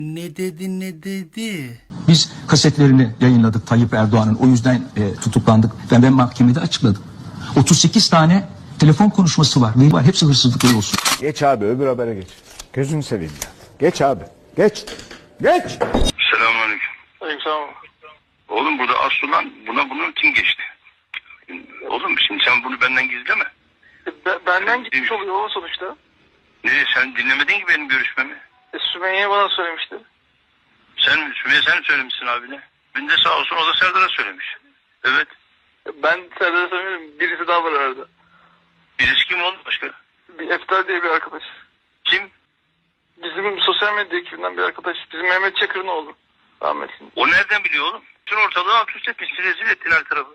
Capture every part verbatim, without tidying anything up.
Ne dedi ne dedi? Biz kasetlerini yayınladık Tayyip Erdoğan'ın. O yüzden e, tutuklandık. Ben, ben mahkemede açıkladım. otuz sekiz tane telefon konuşması var. Veri var. Hepsi hırsızlıkları olsun. Geç abi, öbür habere geç. Gözünü seveyim ya. Geç abi. Geç. Geç. Selamünaleyküm. Aleykümselam. Oğlum burada Aslı'dan buna bunu kim geçti? Oğlum şimdi sen bunu benden gizleme. Be, benden gitmiş oluyor o sonuçta. Ne sen dinlemedin ki benim görüşmemi? E, Sümeyye bana söylemişti. Sen Sümeyye sen söylemişsin abine. Ben de sağ olsun o da Serdar'a söylemiş. Evet. E, Ben Serdar'a söylemiyorum. Birisi daha var arada. Birisi kim oldu başka? Bir Eftar diye bir arkadaş. Kim? Bizim sosyal medya ekibinden bir arkadaş. Bizim Mehmet Çakır'ın oğlu. Rahmetli. O nereden biliyor oğlum? Bütün ortalığı alt üst etmişsin, rezil ettin her tarafı.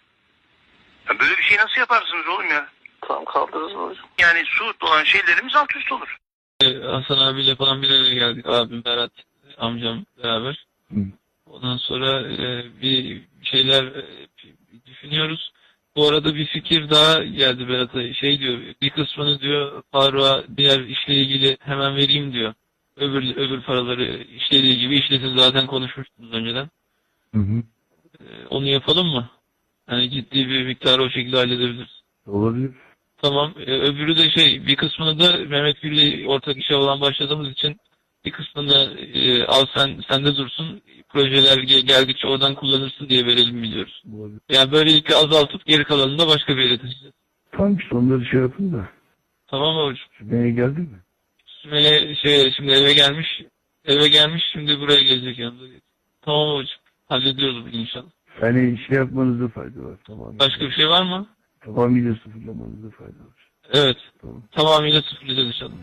Ya böyle bir şey nasıl yaparsınız oğlum ya? Tamam kaldırırız hocam. Yani su olan şeylerimiz alt üst olur. Hasan abiyle falan bir araya geldik. Abim Berat, amcam beraber. Hı. Ondan sonra e, bir şeyler e, düşünüyoruz. Bu arada bir fikir daha geldi Berat'a. Şey diyor, bir kısmını diyor Faruk'a diğer işle ilgili hemen vereyim diyor. Öbür öbür paraları işlediği gibi işlesin, zaten konuşmuştunuz önceden. Hı hı. E, onu yapalım mı? Yani ciddi bir miktarı o şekilde halledebiliriz. Olabilir. Tamam. Ee, öbürü de şey, bir kısmını da Mehmet Gül'le ortak işe olan başladığımız için bir kısmını e, al sen sende dursun. Projeler gel- geldikçe oradan kullanırsın diye verelim biliyoruz. Olabilir. Yani böylelikle azaltıp geri kalanını da başka bir yere taşıyacağız. Tamam işte onları şey yapın da. Tamam mı hocam? Sümeyye geldi mi? Sümeyye şey, şimdi eve gelmiş. Eve gelmiş, şimdi buraya gelecek yanımda. Tamam hocam. Hallediyoruz bugün inşallah. Yani şey yapmanızda fayda var. Tamam. Başka bir şey var mı? Tamamıyla sıfırlamanızda fayda var. Evet. Tamam. Tamamıyla sıfırlayacağız inşallah.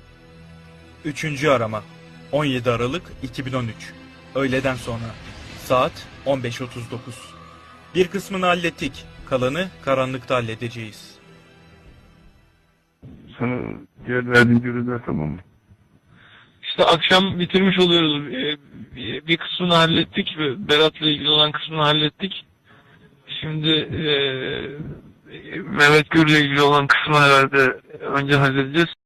Üçüncü arama on yedi Aralık iki bin on üç. Öğleden sonra. Saat on beş otuz dokuz. Bir kısmını hallettik. Kalanı karanlıkta halledeceğiz. Sana diğer verdiğim görevler tamam mı? İşte akşam bitirmiş oluyoruz. Ee, Bir bir kısmını hallettik. Berat'la ilgili olan kısmını hallettik. Şimdi e, Mehmet Gür'le ilgili olan kısmı herhalde önce halledeceğiz.